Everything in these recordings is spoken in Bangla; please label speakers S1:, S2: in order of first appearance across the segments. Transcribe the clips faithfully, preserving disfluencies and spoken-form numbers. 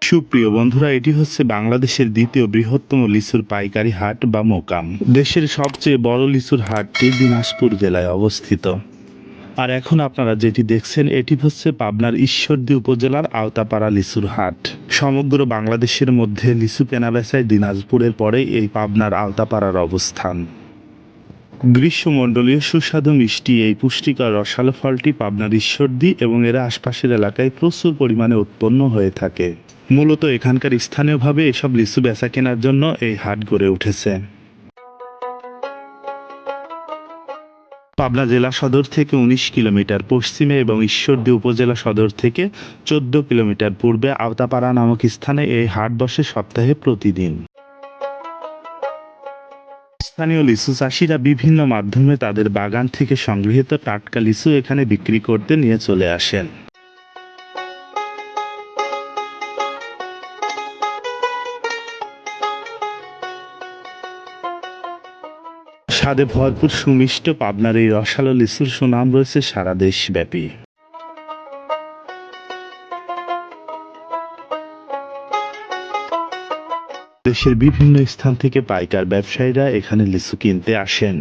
S1: সুপ্রিয় বন্ধুরা, এটি হচ্ছে বাংলাদেশের দ্বিতীয় বৃহত্তম লিচুর পাইকারি হাট বা মোকাম। দেশের সবচেয়ে বড় লিচুর হাটটি দিনাজপুর জেলায় অবস্থিত। আর এখন আপনারা যেটি দেখছেন এটি হচ্ছে পাবনার ঈশ্বরদী উপজেলার আওতাপাড়া লিচুর হাট। সমগ্র বাংলাদেশের মধ্যে লিচু কেনাবেচায় দিনাজপুরের পরে এই পাবনার আওতাপাড়ার অবস্থান। গ্রীষ্মমণ্ডলীয় সুস্বাদু মিষ্টি এই পুষ্টিকর রসালো ফলটি পাবনার ঈশ্বরদী এবং এর আশপাশের এলাকায় প্রচুর পরিমাণে উৎপন্ন হয়ে থাকে। মূলত এখানকার স্থানীয়ভাবে এসব লিচু বেচা কেনার জন্য এই হাট গড়ে উঠেছে। পাবনা জেলা সদর থেকে উনিশ কিলোমিটার পশ্চিমে এবং ঈশ্বরদী উপজেলা সদর থেকে চোদ্দ কিলোমিটার পূর্বে আওতাপাড়া নামক স্থানে এই হাট বসে সপ্তাহে প্রতিদিন। স্থানীয় লিচু চাষিরা বিভিন্ন মাধ্যমে তাদের বাগান থেকে সংগৃহীত টাটকা লিচু এখানে বিক্রি করতে নিয়ে চলে আসেন। স্বাদে ভরপুর সুমিষ্ট পাবনার এই রসালো লিচুর সুনাম রয়েছে সারা দেশব্যাপী। দেশের বিভিন্ন স্থান থেকে পাইকার ব্যবসায়ীরা এখানে লিচু কিনতে আসেন।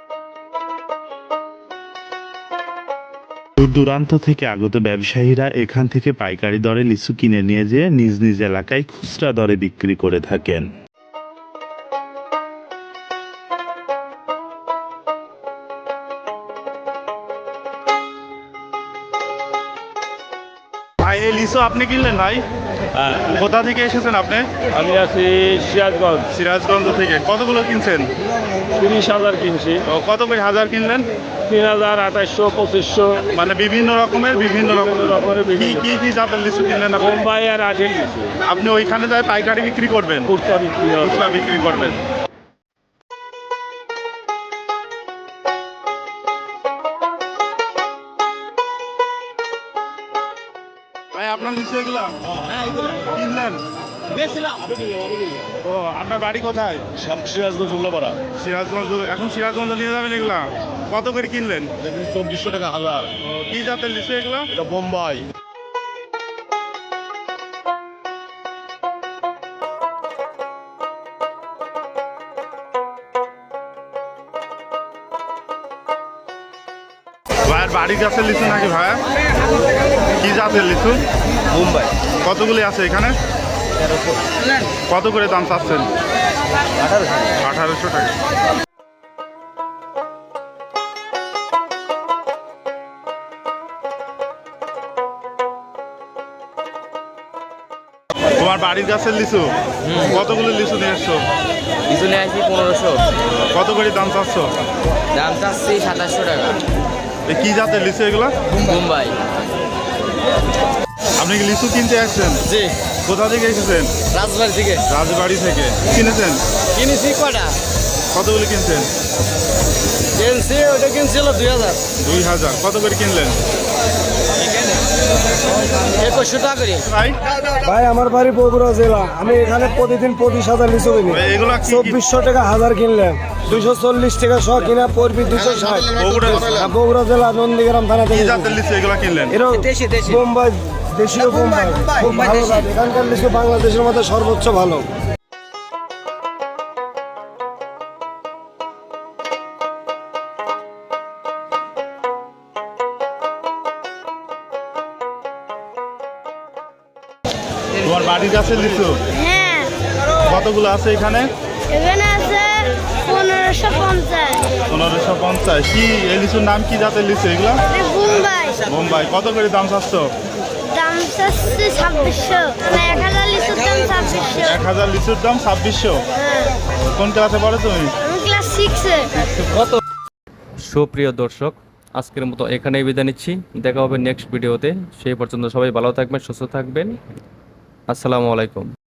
S1: দূর দূরান্ত থেকে আগত ব্যবসায়ীরা এখান থেকে পাইকারি দরে লিচু কিনে নিয়ে যেয়ে নিজ নিজ এলাকায় খুচরা দরে বিক্রি করে থাকেন। ভাই, এই লিচু আপনি কিনলেন ভাই?
S2: হ্যাঁ,
S1: কোথা থেকে এসেছেন আপনি?
S2: আমি আছি সিরাজগঞ্জ।
S1: সিরাজগঞ্জ থেকে। কতগুলো কিনছেন?
S2: তিরিশ হাজার কিনছি।
S1: ও, কত করে হাজার কিনলেন?
S2: তিন হাজার আঠাইশশো পঁচিশশো
S1: মানে বিভিন্ন রকমের বিভিন্ন রকম
S2: রকমের
S1: কি
S2: বিভিন্ন
S1: কি কি জাতের লিচু কিনলেন আপনি?
S2: বোম্বাই আর আঠের কিছু
S1: আপনি ওইখানে যাই পাইকারি বিক্রি করবেন?
S2: কুর্তা বিক্রি হয়।
S1: খুচরা বিক্রি করবেন। ভাই, আপনার লিচু এগুলা কিনলেন? ও, আপনার বাড়ি কোথায়?
S2: সিরাজগঞ্জ উল্লাপাড়া।
S1: সিরাজগঞ্জ। এখন সিরাজগঞ্জ নিয়ে যাবেন এগুলা? কত করে কিনলেন?
S2: চব্বিশশো টাকা হাজার।
S1: ও, কি জাতের লিচু এগুলা?
S2: এটা বোম্বাই।
S1: ভাইয়ের বাড়ি গাছের লিচু নাকি ভাইয়া? কি জাতের লিচু?
S2: বোম্বাই।
S1: কতগুলি আছে এখানে? কত করে দাম চাচ্ছেন? আঠারোশো টাকা। তোমার বাড়ির গাছের লিচু? কতগুলো লিচু নিয়ে এসছো?
S3: লিচু নিয়ে আসি পনেরোশো।
S1: কত করে দাম চাচ্ছ?
S3: দাম চাচ্ছি সাতাশশো টাকা।
S1: এই কি জাতের লিচু এগুলো?
S3: মুম্বাই।
S1: আপনি কি লিচু কিনতে আসছেন?
S3: জি।
S1: কোথা থেকে এসেছেন?
S3: রাজবাড়ি থেকে।
S1: রাজবাড়ি থেকে। কিনেছেন?
S3: কিনেছি কটা?
S1: কতগুলো কিনছেন?
S3: কিনছি ওটা কিনছিল দুই হাজার।
S1: দুই হাজার। কত করে কিনলেন?
S3: একুশশো টাকা করে।
S1: ভাই,
S4: ভাই আমার বাড়ি বগুড়া জেলা। আমি এখানে প্রতিদিন পঁচিশ হাজার লিচু কিনি।
S1: এগুলা কি-
S4: চব্বিশশো টাকা হাজার কিনলেন, দুইশো চল্লিশ টাকা শ কিনা পড়বি দুশো ষাট।
S1: বগুড়া
S4: বগুড়া জেলা নন্দীগ্রাম থানা
S1: কি
S4: থেকে।
S1: জাতের লিচু এগুলা কিনলেন?
S4: এরা
S3: দেশি, দেশি।
S4: বোম্বাই, দেশীয় বোম্বাই। খুব
S3: বোম্বাই
S4: ভালো
S3: দেশি।
S4: জাত। এখানকার লিচু বাংলাদেশের মধ্যে সর্বোচ্চ ভালো।
S1: তোমার বাড়ির গাছের লিচু
S5: হ্যাঁ,
S1: কতগুলো আছে এখানে?
S5: এখানে আছে পনেরোশো পঞ্চাশ।
S1: পনেরোশো পঞ্চাশ। কি এই লিচুর নাম কি জাতের লিচু এগুলা?
S5: মুম্বাই।
S1: বোম্বাই। কত করে দাম চাচ্ছ?
S5: দাম চাচ্ছে ছাব্বিশশো। মানে এক হাজার লিচুর দাম ছাব্বিশশো।
S1: এক হাজার লিচুর দাম ছাব্বিশশো।
S5: হ্যাঁ,
S1: কোন ক্লাসে পড়ো তুমি?
S5: আমি ক্লাস সিক্সে।
S6: সুপ্রিয় দর্শক, আজকের মতো এখানেই বিদায় নিচ্ছি। দেখা হবে নেক্সট ভিডিওতে। সেই পর্যন্ত সবাই ভালো থাকবেন, সুস্থ থাকবেন। আসসালামু আলাইকুম।